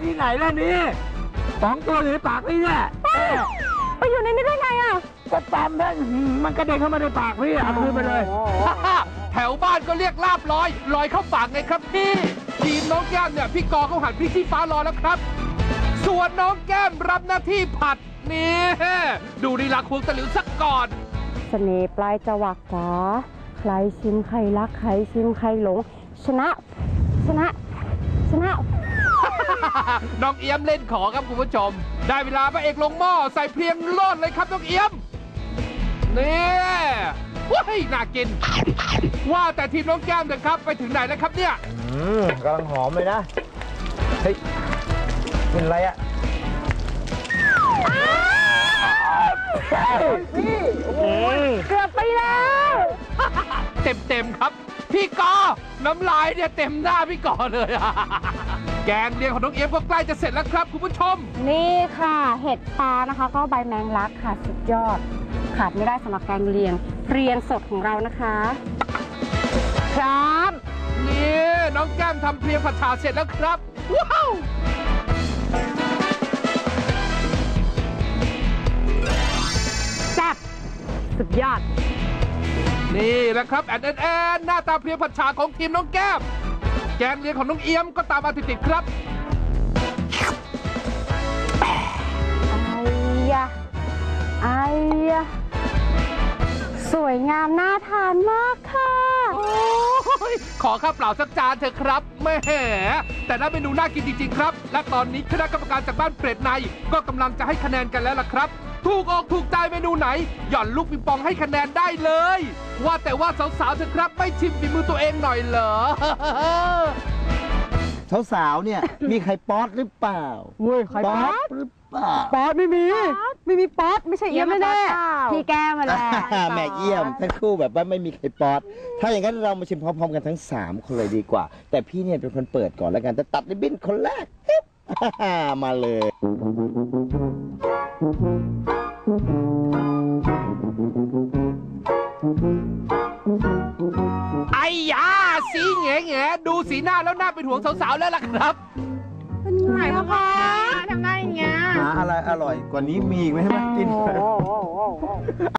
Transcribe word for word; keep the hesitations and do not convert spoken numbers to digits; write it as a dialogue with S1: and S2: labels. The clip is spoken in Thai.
S1: ที่ไหนล่ะนี่สองตัวอยู่ในปากพี่เนี่ย
S2: ไปอยู่ในนี้ได้ไงอ่ะ
S1: ก็ตามนั่นมันกระเด็นเข้ามาในปากพี่เอาคืนไปเลย
S3: แถวบ้านก็เรียกลาบลอยลอยเข้าปากไงครับพี่ทีมน้องแก้มเนี่ยพี่กอเขาหันพริกชี้ฟ้ารอแล้วครับส่วนน้องแก้มรับหน้าที่ผัดนี่ดูลีลาควงตะหลิวสักก่อน
S2: เสน่ห์ปลายจวักจ๋าใครชิมใครรักใครชิมใครหลงชนะชนะชนะ
S3: น้องเอี้ยมเล่นขอครับคุณผู้ชมได้เวลาพระเอกลงหม้อใส่เพลียงโลดเลยครับน้องเอี้ยมนี่ว้ายน่ากินว่าแต่ทีมน้องแก้มเถอะครับไปถึงไหนแล้วครับเนี่ย
S1: อืมกำลังหอมเลยนะเฮ้ยเป็นอะไรอะพี่
S2: เกือบไปแล้ว
S3: เต็มเต็มครับพี่กอน้ำลายเนี่ยเต็มหน้าพี่กอเลยแกงเลียงของน้องเอี้ยมก็ใกล้จะเสร็จแล้วครับคุณผู้ชม
S2: นี่ค่ะเห็ดปลานะคะก็ใบแมงลักค่ะสุดยอดขาดไม่ได้สำหรับแกงเลียงเรียงสดของเรานะคะครับ
S3: นี่น้องแก้มทำเพลียงผัดฉ่าเสร็จแล้วครับว้าว
S2: แซ่บสุดยอด
S3: นี่แหละครับแอนแอนแอนหน้าตาเพลียงผัดฉ่าของทีมน้องแก้มแกงเลียงของน้องเอี้ยมก็ตามมาติดๆครับ
S2: ไอ้ยะไอ้ยะสวยงามน่าทานมากค่ะ
S3: ขอข้าวเปล่าสักจานเถอะครับแม่แต่น่าเมนูน่ากินจริงๆครับและตอนนี้คณะกรรมการจากบ้านเปรตในก็กำลังจะให้คะแนนกันแล้วล่ะครับถูกออกถูกใจเมนูไหนหย่อนลูกปิงปองให้คะแนนได้เลยว่าแต่ว่าสาวๆเถอะครับไม่ชิมฝีมือตัวเองหน่อยเหรอ
S1: สาวๆเนี่ยมีใครป๊อตหรือเปล่า
S2: เว้ยใครป๊อต
S1: หรือเปล่า
S2: ป๊อตไม่มีไม่มีป๊อตไม่ใช่เอี้ยมแน่พี่แก้มาแล้ว
S1: แม่เยี่ยมทั้งคู่แบบว่าไม่มีใครป๊อตถ้าอย่างนั้นเรามาชิมพร้อมๆกันทั้งสามคนเลยดีกว่าแต่พี่เนี่ยเป็นคนเปิดก่อนแล้วกันจะตัดริบบิ้นคนแรกมาเลย
S3: ไอ้ยาสีแง่แง่ดูสีหน้าแล้วน่าเป็นห่วงสาวๆแล้วล่ะครับ
S2: เป็นไงพ่อคะทำได้อย่างเงี้ย
S1: หาอะไรอร่อยกว่านี้มีอีกไหมใช่ไหมกิน